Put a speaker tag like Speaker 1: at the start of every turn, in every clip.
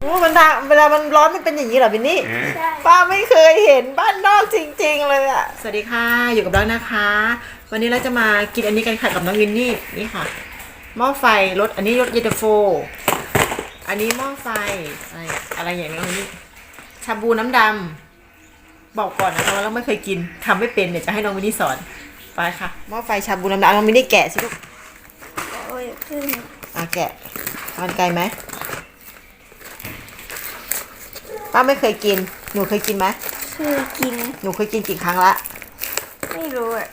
Speaker 1: มันทางเวลามันร้อนมันเป็นอย่างนี้เหรอวินนี่ป้าไม่เคยเห็นบ้านนอกจริงๆเลยอ่ะสวัสดีค่ะอยู่กับเรานะคะ วันนี้เราจะมากินอันนี้กันค่ะกับน้องวินนี่นี่ค่ะหม้อไฟรสอันนี้รสเย็นตาโฟอันนี้หม้อไฟอะไรอย่างนี้นี่ชาบูน้ำดำบอกก่อนนะคะว่าเราไม่เคยกินทำไม่เป็นเนี่ยจะให้น้องวินนี่สอนไปค่ะหม้อไฟชาบูน้ำดำน้องวินนี่แกะสิลูก
Speaker 2: โอ้ยขึ้น
Speaker 1: แกะมันไกลไหมป้าไม่เคยกินหนูเคยกินไหม
Speaker 2: เคยกิน
Speaker 1: หนูเคยกินกี่ครั้งละ
Speaker 2: ไม่รู้อ่ะ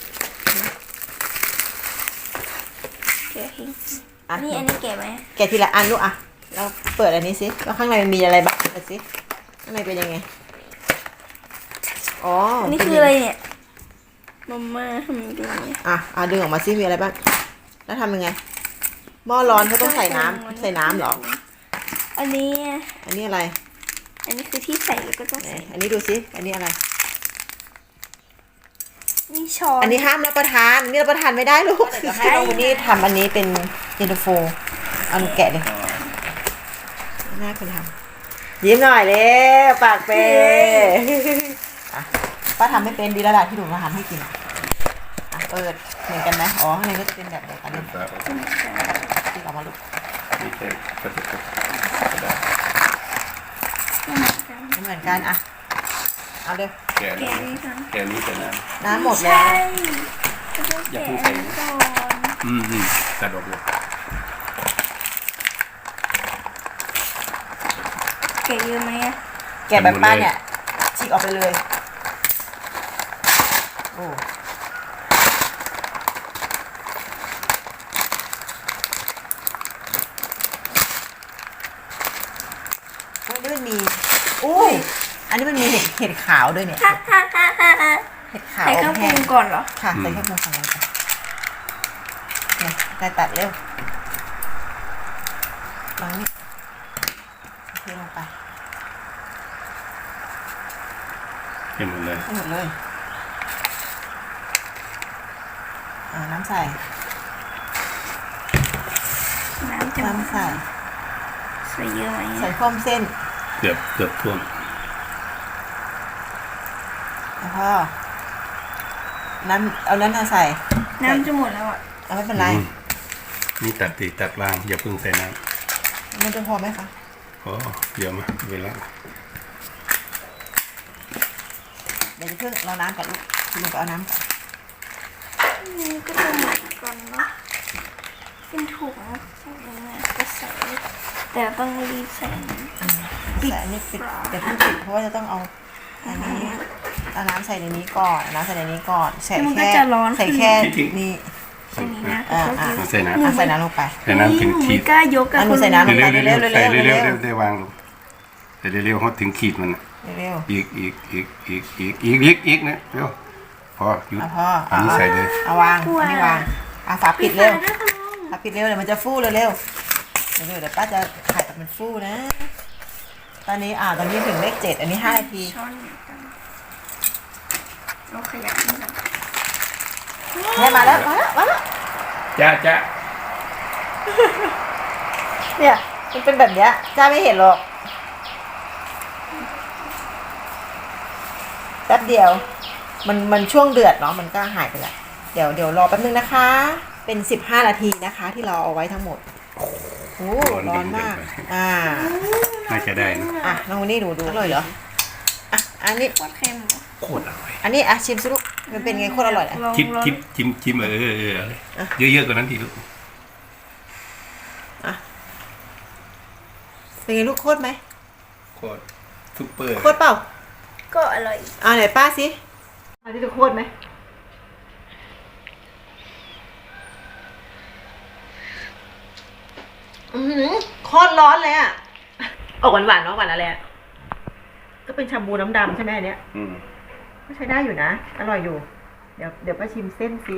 Speaker 2: แกะทิ้งอันนี้แกะไหม
Speaker 1: แกะทีละอันลูกอ่ะเราเปิดอันนี้สิว่าข้างในมันมีอะไรบ้างเปิดสิข้างในเป็นยังไงอ๋อ
Speaker 2: อันนี้คืออะไรเนี่ยมาม่าทำเป็นยังไง
Speaker 1: ดึงออกมาสิมีอะไรบ้างแล้วทำยังไงหม้อร้อนเขาต้องใส่น้ำหรอ
Speaker 2: อันนี้
Speaker 1: อะไร
Speaker 2: อันนี้คือที่ใส่แล้วก็ต้องใส่
Speaker 1: อันนี้ดูสิอันนี้อะไร
Speaker 2: นี่ช้อน
Speaker 1: อันนี้ห้ามรับประทานนี่รับประทานไม่ได้ลูกเดี๋ยวให้น้องวันนี้ทำอันนี้เป็นเย็นตาโฟเอาหนูแกะเลยน่าคนทำยิ้มหน่อยเลยปากเป้ป้าทำไม่เป็นดีแล้วล่ะที่หนูมาทำให้กินเปิดเหมือนกันไหมอ๋อข้างในก็จะเป็นแบบเดียวกันเลยที่เรามาลูกไม่เหมือนกันเอาเร็ว
Speaker 3: แกนี้เป็น
Speaker 1: น้ำหมดแล้ว
Speaker 3: อย่าเพิ่งใส่กระดกเลย
Speaker 2: แกะเยอะไหม
Speaker 1: แกะแบบป้าเนี่ยฉีกออกไปเลยโอ้นี่มันมีอันนี้มันมีเห็ดขาวด้วยเนี่ยเห็ดขาว
Speaker 2: ใส่เครื่องปรุงก่อนเหรอ
Speaker 1: ค่ะใส่เครื่องปรุงก่อนเนี่ยตัดเร็วลองนี่เทลงไป
Speaker 3: ให้หมดเลย
Speaker 1: น้ำใส่
Speaker 2: น้ำใส่เยอะไหม
Speaker 1: ใส่ข้อมเส้น
Speaker 3: เกือบท่วม
Speaker 1: แล้วก็เอานั้นใส่
Speaker 2: น้ำจะหมดแล้วอ่ะ
Speaker 1: ไม่เป็นไร
Speaker 3: นี่ตัดล่างอย่าเพิ่งใส่น้
Speaker 1: ำมันจะพอไหมคะ
Speaker 3: เดี๋ยวมาเวลา
Speaker 1: เดี๋ยวจะเพิ่งเราน้ำก่อนลูกลุงไปเอาน้ำก่อน
Speaker 2: นี่ก็จะหมดก่อนเนาะเป็นถุงก็ใส่แต่ต้องรีบใส่
Speaker 1: อันนี้ปิดเดี๋ยวเพิ่งปิดเพราะว่าจะต้องเอาอันนี้เอาน้ำใส่ในนี้ก่อนใส่ในนี้ก่อนใส่แค่นี่
Speaker 3: ใส่น้
Speaker 1: ำลงไป
Speaker 3: ใส่น้ำถึงขีด
Speaker 2: กล้ายก
Speaker 1: หนูใส่น้ำลงไปเร็ว
Speaker 3: ได้วางลงใส่เร็วฮอตถึงขีดมัน
Speaker 1: เร็ว
Speaker 3: อีกนะเร็วพอหยุดอันนี้ใส่เลย
Speaker 1: เอาวางอันนี้วางฝาปิดเร็วเดี๋ยวมันจะฟูเร็วเดี๋ยวป้าจะถ่ายแบบมันฟูนะตอนนี้ถึงเลข7อันนี้5 นาที
Speaker 2: เราขยับนี่ก่อน
Speaker 1: เนี่ยมาแล้ว
Speaker 3: จ้า
Speaker 1: เนี่ยมันเป็นแบบเนี้ยจ้าไม่เห็นหรอกแป๊บเดียวมันช่วงเดือดเนาะมันก็หายไปละเดี๋ยวรอแป๊บนึงนะคะเป็น15 นาทีนะคะที่เราเอาไว้ทั้งหมดโอ้ร้อนมาก
Speaker 3: น่าจะได้
Speaker 1: นะน้องวันนี้ดูอร่อยเหรออันนี้
Speaker 2: โคตรเค็ม
Speaker 3: โคตรอร่อย
Speaker 1: อันนี้ชิมสิลูกมันเป็นไงโคตรอร่อย
Speaker 3: จิ้มเยอะๆกว่านั้นทีลูก
Speaker 1: เป็นไงลูกโคตรไหม
Speaker 3: โคตรซุปเปอร์
Speaker 1: โคตรเปล่า
Speaker 2: ก็อร่อย
Speaker 1: ไหนป้าสิอันนี้จะโคตรไหมโคตรร้อนเลยออกหวานเนาะหวานอะไรก็เป็นชาบูน้ำดำใช่ไหมอันเนี้ยก็ใช้ได้อยู่นะอร่อยอยู่เดี๋ยวป้าชิมเส้นสิ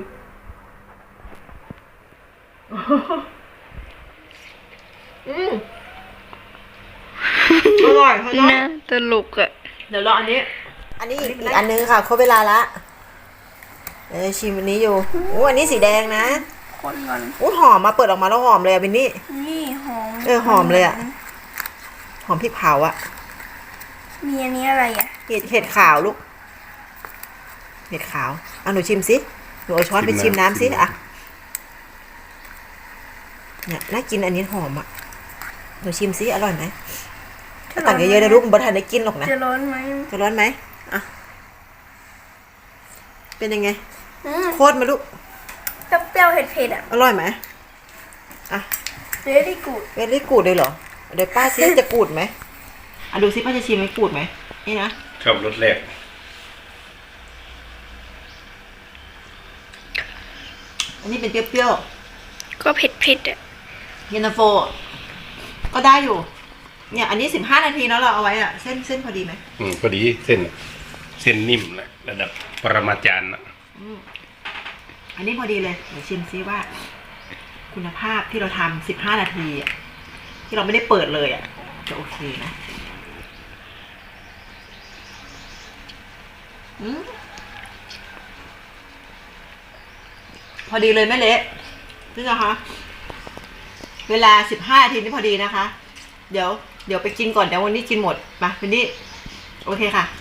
Speaker 1: อร่อย
Speaker 2: นะตลก
Speaker 1: เดี๋ยวรออันนี้อีกอันนึงค่ะครบเวลาละชิมอันนี้อยู่อันนี้สีแดงนะหอมมาเปิดออกมาแล้วหอมเลยบินนี่
Speaker 2: นี่หอม
Speaker 1: หอมเลยหอมพริกเผาอะ
Speaker 2: มีอันนี้อะไรอ่ะ
Speaker 1: เห็ดขาวลูก เห็ดขาวเอาหนูชิมสิหนูเอาช้อนไปชิมน้ำสิอะเนี่ยน่ากินอันนี้หอมอะหนูชิมสิอร่อยไหมตักเยอะๆนะลูกบัทันได้กินหรอกนะ
Speaker 2: จะร้อนไหม
Speaker 1: จะร้อนไหมอะเป็นยังไงโคตรมาลูก
Speaker 2: เปรี้ยวๆเผ็ดๆอ่ะ
Speaker 1: อร่อยไหมอ่ะ
Speaker 2: very good
Speaker 1: เวลี่กูดเลยเหรอเดี๋ยวป้าซิจะกูดไหมอ่ะดูซิป้าจะชิมไหมกูดไหมนี่นะ
Speaker 3: ชอบรสแรก
Speaker 1: อันนี้เป็นเปรี้ยว
Speaker 2: ก็เผ็ดๆอ่ะ
Speaker 1: ๆเย็นตาโฟก็ได้อยู่เนี่ยอันนี้15 นาทีแล้วเราเอาไว้อะเส้นพอดีไหม
Speaker 3: พอดีเส้นนิ่มแหละระดับปรมาจารย์นะ
Speaker 1: อันนี้พอดีเลยเดี๋ยวชิมซิว่า คุณภาพที่เราทำ15 นาทีอะที่เราไม่ได้เปิดเลยอะจะโอเคนะพอดีเลยแม่เละนี่นะคะเวลา15 นาทีนี่พอดีนะคะ เดี๋ยวไปกินก่อนเดี๋ยววันนี้กินหมดมาวันนี้โอเคค่ะ